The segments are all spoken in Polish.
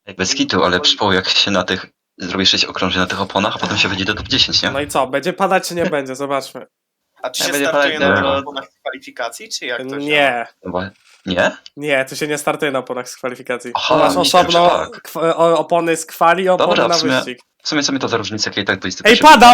Bez kitu, ale przypomnę jak się na tych... Zrobi 6 okrążeń na tych oponach, a potem się wyjdzie do top 10, nie? No i co, będzie padać czy nie będzie? Zobaczmy. A czy Nie się będzie startuje padać, na no. oponach kwalifikacji, czy jak to się Nie, Chyba... Nie? nie, tu się nie startuje na oponach z kwalifikacji. Aha, Masz myślałem, osobno że tak. opony z kwali i opony Dobra, na w sumie- wyścig. W sumie co mi to za różnica, jak i tak 20 Ej, pada!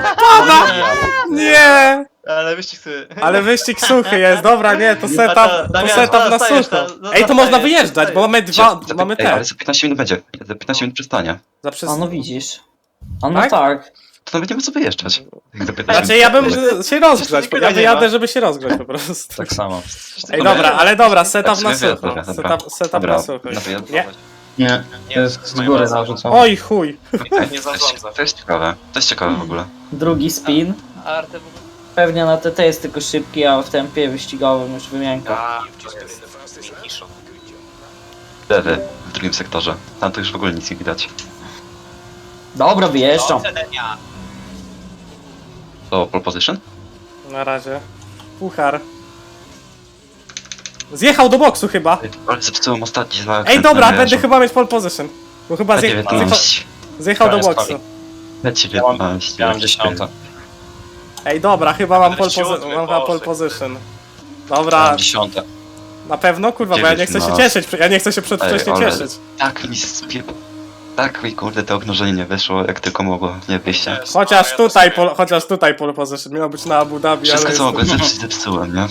Nie! Ale wyścig sobie... Ale wyścig suchy jest, dobra, nie, to setup, to Damian, setup na zostajesz, sucho. no, Ej, to można zostajesz, wyjeżdżać, bo mamy mamy Ej, ale te. za 15 minut będzie. Za 15 minut przystanie. Za przez... A no widzisz. A no Tak? tak. To nawet nie ma co wyjeżdżać. Jak za 15 Znaczy minut ja bym przystanie. się rozgrzać, Nikogo ja nie wyjadę, ma. żeby się rozgrzać po prostu. Tak samo. Ej, dobra, ale dobra, setup Tak, na w sumie sucho. dobra, dobra. Setup Dobra, na sucho. na wyjazd. Nie. Nie, to jest z góry narzucone. Oj, chuj. nie zarządza? To jest ciekawe. To jest ciekawe w ogóle. Drugi spin. A Arte w ogóle... Pewnie na TT jest tylko szybki, a w tempie wyścigowym już wymianka. A, to jest Nikiszo. Lewy w drugim sektorze. Tam to już w ogóle nic nie widać. Dobra, wyjeżdżam. To pole position? Na razie. Puchar. Zjechał do boksu chyba. Ale zepsułem ostatni zakręt. Ej, dobra, na będę mierzu. chyba mieć pole position. Bo chyba P19. zjechał do To jest boksu. P19. Ja mam 10. Ej, dobra, chyba mam pole, Siódmy, mam chyba pole Boże. position. Ja Dobra, mam 10. na pewno? Kurwa, bo ja nie chcę się No. cieszyć, ja nie chcę się przedwcześnie Ej, ale- cieszyć. Tak mi Tak mi kurde to okrążenie nie wyszło jak tylko mogło, nie wyjście. Chociaż tutaj pole position, miało być na Abu Dhabi, Wszystko ale co mogłem jest... zepsuć zepsułem, nie?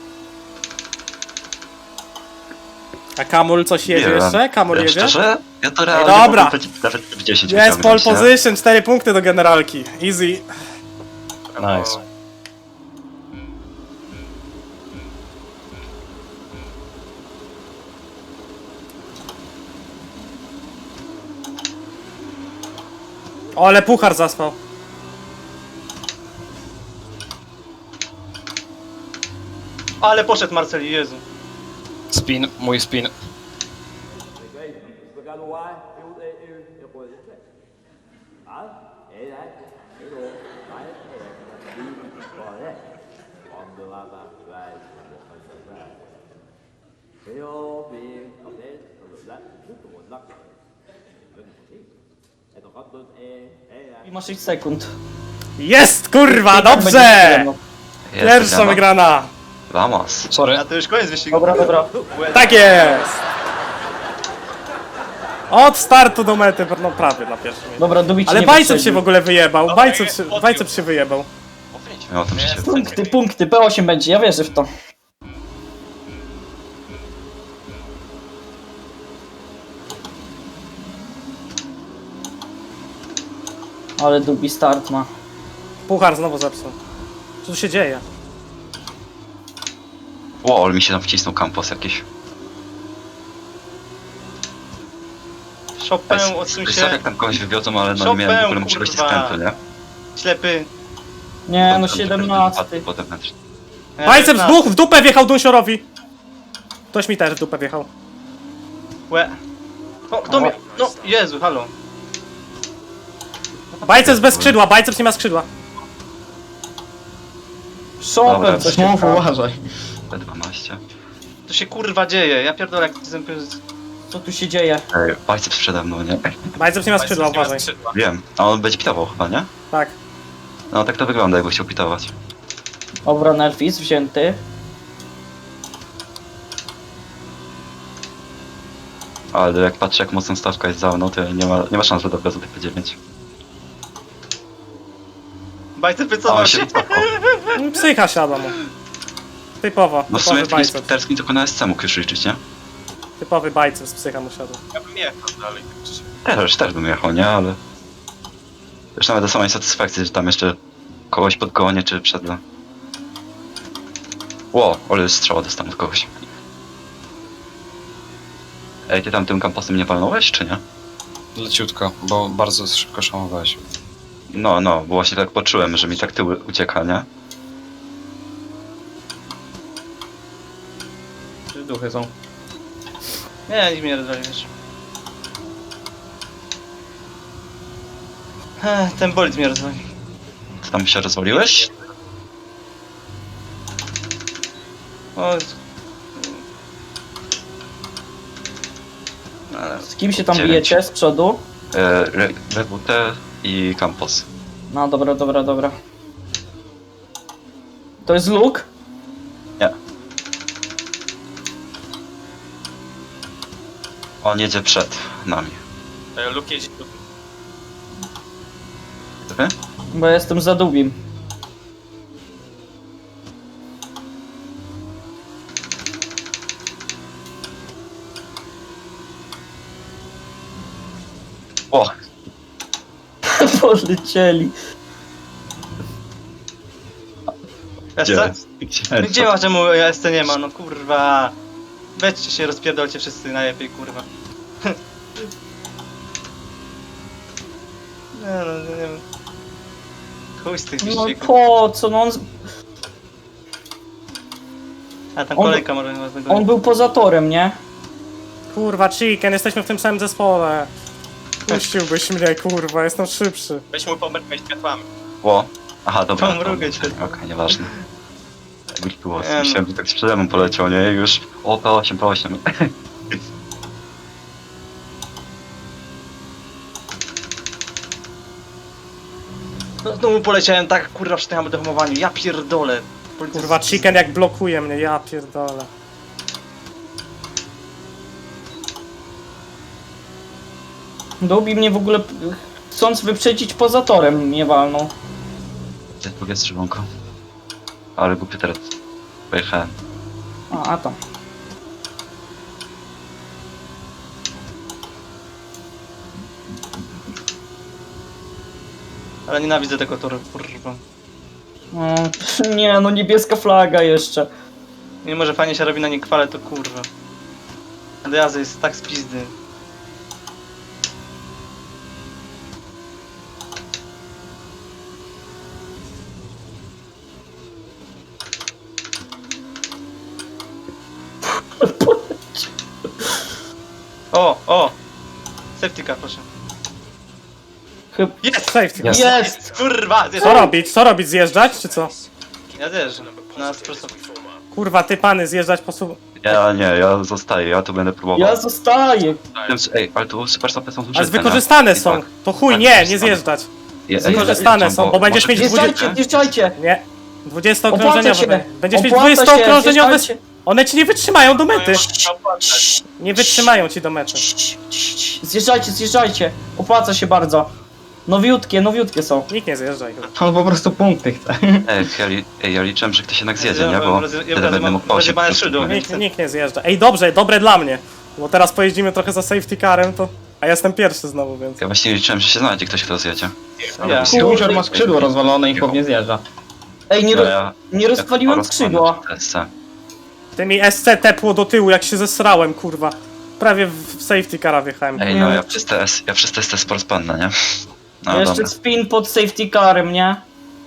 A Kamul coś jedzie Nie wiem. jeszcze? Kamul jedzie? Szczerze? Ja to realnie dobra. mogłem nawet w 10 Jest pole wyciągnąć, nie? position, 4 punkty do generalki. Easy. Nice. O, ale puchar zaspał. Ale poszedł Marceli, Jezu. Spin, mój spin. I ma 6 sekund. Jest, kurwa, I tak będzie dobrze! przyjemno. Jest Pierwsza wygrana. Vamos. Sorry. A to już koniec wyścigu. Dobra, dobra. Tak jest! Od startu do mety, no prawie na pierwszym miejscu. Dobra, Dubicz Ale nie Bajceps się wyprzedził. w ogóle wyjebał, Dobra, Bajceps się wyjebał. No to mi się Punkty, punkty, P8 będzie, ja wierzę w to. Ale Dubi start ma. Puchar znowu zepsuł. Co tu się dzieje? Wow, ale mi się tam wcisnął campus jakiś. Chopin, odsuń Sorry, się. jak tam kogoś wywiozą, ale no nie miałem w ogóle możliwości kurwa. skrętu, nie? Ślepy. Nie, no Tam 17. potem mecz. Bajceps w dupę wjechał Dunsiorowi! Ktoś mi też w dupę wjechał. Łe. O, kto mnie... No, Jezu, halo. Bajceps bez skrzydła, Bajceps nie ma skrzydła. Dobra, Chopin, coś mów, uważaj. P12. To się kurwa dzieje, ja pierdolę jak Co tu się dzieje? Ej, biceps przede mną, nie? Bajceps nie ma skrzydła, uważaj. Wiem. A on będzie pitował chyba, nie? Tak. No tak to wygląda, jakby chciał pitować. Dobra, Nelfis wzięty. Ale jak patrzę jak mocno stawka jest za mną, to nie ma szans, że dobra za P9. Bajce A wycofał on się. się wycofał. Psycha siada mu. Typowo, No w sumie typowy w takim Bajceps. sprinterskim tylko na SC mógł już liczyć, nie? Typowy Bajceps, psycha mu siadła. Ja bym jechał dalej. Też bym jechał, nie? Ale... Już nawet do samej satysfakcji, że tam jeszcze kogoś podgonię, czy przedle. Ło, ale strzała dostałem od kogoś. Ej, ty tam tym kampusem nie palnąłeś, czy nie? Leciutko, bo bardzo szybko szamowałeś. No, bo właśnie tak poczułem, że mi tak tył ucieka, nie? Duchy są. Nie, nikt mnie rozwali, wiesz. Ten bolid mnie rozwali. Ty tam się rozwaliłeś? O, Z kim się tam 9. bijecie z przodu? Rewute i Campos. No dobra, dobra, dobra. To jest Luke? Nie. On jedzie przed nami. Luke jedzie tu. Wy? Bo ja jestem za Dubim. O! Polecieli. SC? Gdzie? Gdzie ma, czemu SC nie ma? No kurwa. Weźcie się, rozpierdolcie wszyscy najlepiej, kurwa. Nie wiem. Chuj z tych No wyścigów. po co? No A tam on- kolejka może was on dogonić. był poza torem, nie? Kurwa, Chicken, jesteśmy w tym samym zespole. Puściłbyś mnie, kurwa, jestem szybszy. Weź mu pomrykać światłami. O! Aha, dobra. Pomrugaj się. Okej, nieważne. Było, Nie, no. myślałem, że tak z przede mną poleciał, nie? I już... O, P8, P8. No znowu poleciałem tak, kurwa, przy tym hamulcowaniu. Ja pierdolę. Kurwa, Chicken jak blokuje mnie, ja pierdolę. Dubi mnie w ogóle, chcąc wyprzedzić poza torem, mnie walnął. Gdzie drugie strzybonko? Ale głupie teraz. Pojechałem. A tam. Ale nienawidzę tego toru, kurwa. No, nie, no niebieska flaga jeszcze. Mimo, że fajnie się robi na nie kwale, to kurwa. Do jazdy jest tak z pizdy. O! Safety car, proszę. Chyba... Jest! Safety. Jest. Jest! Kurwa! Zjeżdżam. Co robić? Co robić? Zjeżdżać, czy co? Ja zjeżdżam. Na sprosto. Kurwa, ty pany, zjeżdżać po sub... Ja nie, ja zostaję, ja tu będę próbował. Ja zostaję. Ej, ale tu super stopy są duże. Ale wykorzystane są. To chuj, nie, nie zjeżdżać. Wykorzystane są, bo będziesz mieć Zjeżdżajcie, zjeżdżajcie. Nie. 20 Opłaca okrążeniowe. się. Będziesz mieć Opłaca 20 się, okrążeniowe. zjeżdżajcie. One ci nie wytrzymają do mety. Opłacać. Nie wytrzymają ci do mety. Zjeżdżajcie, zjeżdżajcie. Opłaca się bardzo. Nowiutkie są. Nikt nie zjeżdżaj. On po prostu punkty chce. Ja liczyłem, że ktoś jednak zjedzie, nie? Bo wtedy będę mógł po 8 rozjebane szydło. Nikt nie zjeżdża. Ej, dobrze, dobre dla mnie. Bo teraz pojeździmy trochę za safety carem, to... A ja jestem pierwszy znowu, więc... Ja właśnie liczyłem, że się znajdzie ktoś, kto zjedzie. Ja. Kuzior ma skrzydło rozwalone i chłop nie zjeżdża. Ej, No ja... nie rozwaliłem skrzydła. Ty mi SC tepło do tyłu, jak się zesrałem, kurwa. Prawie w safety cara wjechałem. Ej, no ja przez te sportspanne, nie? No Jeszcze dobra. spin pod safety carem, nie?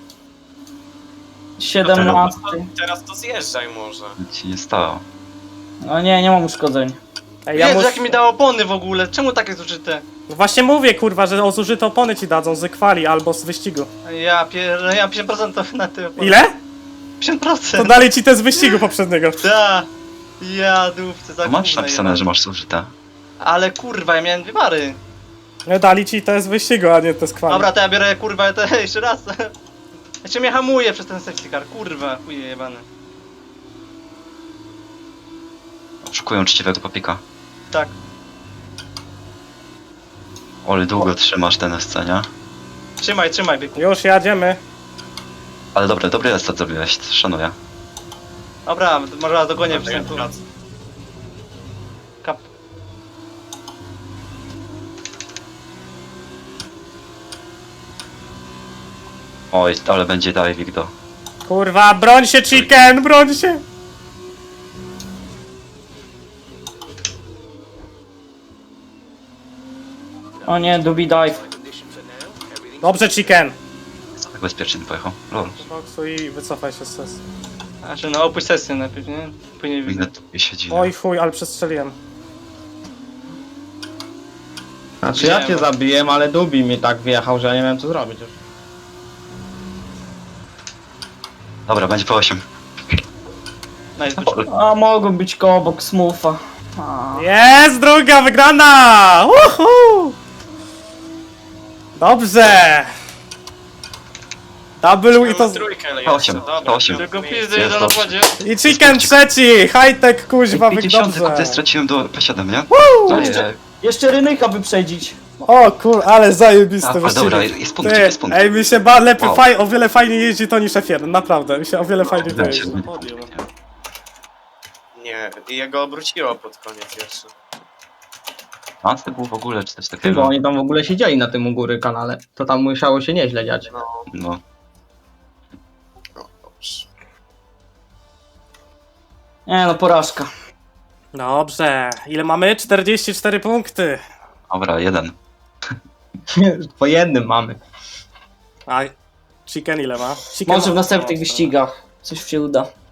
17. Teraz to zjeżdżaj może. Nic ci nie stało. No nie mam uszkodzeń. Ej, Jezu, mus... jakie mi dało opony w ogóle? Czemu takie zużyte? No właśnie mówię, kurwa, że o zużyte opony ci dadzą z kwali albo z wyścigu. Ja 50% to na te opony. Ile? 50%! To dali ci te z wyścigu poprzedniego. Da! Ja dupce za Masz gówno napisane, jebane. że masz zużyte. Ale kurwa, ja miałem dwie bary. No dali ci te z wyścigu, a nie te z kwali. Dobra, to ja biorę kurwa te jeszcze raz. Ja cię mnie hamuję przez ten safety car, kurwa, chuje jebane. Oszukują uczciwego papika. Tak. Ole, długo trzymasz ten SC, nie? Trzymaj, byku. Już jadziemy. Ale dobry restart zrobiłeś, szanuję. Dobra, może raz dogonię przez ten tu. Kap. Oj, ale będzie diving do... Kurwa, broń się, chicken, broń się! O nie, Dubi dive. Dobrze, chicken. Co tak bezpiecznie pojechał? Lol. Boksu i wycofaj się z sesji. Znaczy, no opuść sesję najpierw, nie? Później Inne widzę. tu siedzi. Oj chuj, ale przestrzeliłem. Znaczy ja cię zabiłem, ale Dubi mi tak wjechał, że ja nie wiem co zrobić już. Dobra, będzie po 8. Nice, A mogą być koło obok smootha. A. Jest druga wygrana! Uhu! Dobrze! Double i to... Trójkę To 8, dobra. to 8. Tylko Nie, pizdy jest jeden na dobrze. wodzie. I chicken trzeci! High-tech kuźwa, 50 dobrze. ty straciłem do P7, nie? Jeszcze, jeszcze Rynyka wyprzedzić. O kur, ale zajebisty Ale wyścig. dobra, jest punkt, Ty, jest punkt. ej, mi się lepiej, Wow. o wiele fajniej jeździ to niż F1, naprawdę, mi się o wiele fajniej to jeździ. Nie, i jego obróciło pod koniec jeszcze. A to było w ogóle czy coś Chyba takiego. oni tam w ogóle siedzieli na tym u góry kanale. To tam musiało się nieźle dziać. No. Dobrze. Nie no, porażka. Dobrze, ile mamy? 44 punkty. Dobra, 1. Po jednym mamy. A chicken ile ma? Chicken Może w ma- następnych wyścigach coś się uda.